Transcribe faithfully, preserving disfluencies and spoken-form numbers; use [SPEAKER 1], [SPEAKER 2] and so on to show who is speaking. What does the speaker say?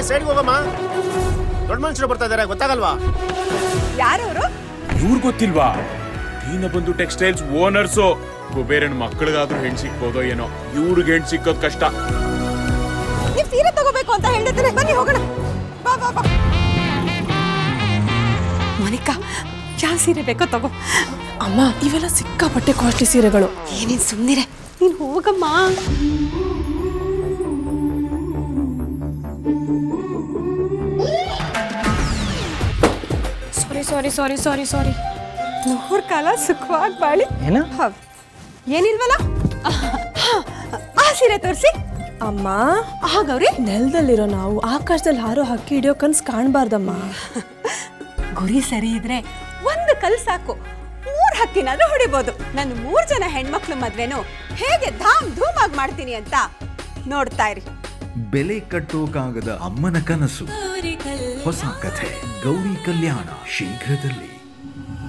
[SPEAKER 1] ಸೈಡ್ಗೆ ಹೋಗಮ್ಮ. ದೊಡ್ಡ ಮನುಷ್ಯರು ಬರ್ತಾ ಇದಾರೆ, ಗೊತ್ತಾಗಲ್ವಾ?
[SPEAKER 2] ಯಾರವರು?
[SPEAKER 3] ಇವ್ರು ಗೊತ್ತಿಲ್ವಾ? Deenabandhu textiles owners. ಕುಬೇರನ್ ಮಕ್ಕಳಿಗಾದ್ರೂ ಹೆಣ್ ಸಿಕ್ಬೋದೋ ಏನೋ, ಇವ್ರಿಗೆ ಹೆಣ್ ಸಿಕ್ಕೋದ್ ಕಷ್ಟ.
[SPEAKER 2] ನೀವ್ ಸೀರೆ ತಗೋಬೇಕು ಅಂತ ಹೇಳಿದ್ರೆ ಬನ್ನಿ ಹೋಗೋಣ. ಬಾ ಬಾ ಬಾ. ಮೋನಿಕಾ, ಯಾವ ಸೀರೆ ಬೇಕೋ ತಗೋ.
[SPEAKER 4] ಅಮ್ಮ, ಇವೆಲ್ಲ ಸಿಕ್ಕಾಪಟ್ಟೆ ಕಾಸ್ಟ್ಲಿ ಸೀರೆಗಳು.
[SPEAKER 2] ಏನೇನ್ ಸುಮ್ಮನಿರೆ, ನೀನ್ ಹೋಗಮ್ಮ.
[SPEAKER 4] ಸಾರಿ ಸಾರಿ ಸಾರಿ ಸಾರಿ ಸಾರಿ
[SPEAKER 2] ನೂರ್ ಕಾಲ ಸುಖವಾಗಿ ಬಾಳಿ.
[SPEAKER 5] ಏನ
[SPEAKER 2] ಏನಿಲ್ವಲ್ಲ, ಆ ಸೀರೆ ತೋರಿಸಿ.
[SPEAKER 4] ಅಮ್ಮ,
[SPEAKER 2] ಹಾಗವ್ರಿ
[SPEAKER 4] ನೆಲದಲ್ಲಿರೋ ನಾವು ಆಕಾಶದಲ್ಲಿ ಹಾರೋ ಹಕ್ಕಿ ಹಿಡಿಯೋ ಕನ್ಸ್ ಕಾಣಬಾರ್ದಮ್ಮ.
[SPEAKER 2] ಗುರಿ ಸರಿ ಇದ್ರೆ ಒಂದು ಕಲ್ ಸಾಕು, ಮೂರ್ ಹಕ್ಕಿನಾದ್ರೂ ಹೊಡಿಬೋದು. ನಾನು ಮೂರ್ ಜನ ಹೆಣ್ಮಕ್ಳು ಮದ್ವೆನು ಹೇಗೆ ಧಾಮ್ ಧೂಮ್ ಆಗಿ ಮಾಡ್ತೀನಿ ಅಂತ ನೋಡ್ತಾ ಇರಿ.
[SPEAKER 6] ಬೆಲೆ ಕಟ್ಟೋಕಾಗದ ಅಮ್ಮನ ಕನಸು, ಹೊಸ ಕಥೆ ಗೌರಿ ಕಲ್ಯಾಣ ಶೀಘ್ರದಲ್ಲಿ.